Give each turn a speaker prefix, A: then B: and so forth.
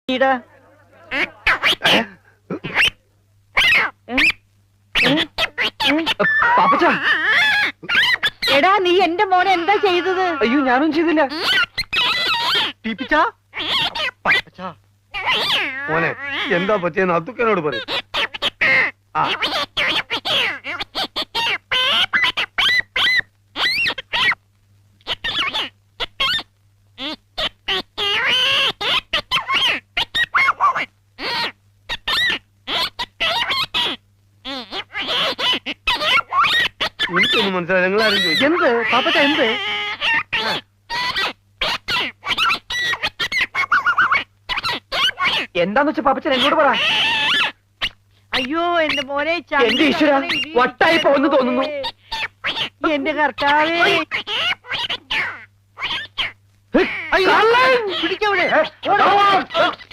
A: പാപ്പച്ച,
B: എടാ നീ എന്റെ മോനെ എന്താ ചെയ്തത്?
A: അയ്യോ ഞാനും ചെയ്തില്ല.
C: മോനെ എന്താ പറ്റിയെന്ന് അത്തുക്കനോട് പറയും. എനിക്കൊന്നും മനസ്സിലായി. നിങ്ങളാരും ചോദിച്ചു
A: എന്ത് പാപ്പച്ച എന്ത്? എന്താന്ന് വെച്ചാ പാപ്പച്ചൻ എന്നോട് പറ.
B: അയ്യോ എന്റെ മോനെ,
A: എന്റെ ഈശ്വര, വട്ടായി പോകുന്നു തോന്നുന്നു.
B: എന്റെ കർത്താവേ,
A: അയ്യോ
B: പിടിക്കവിടെ.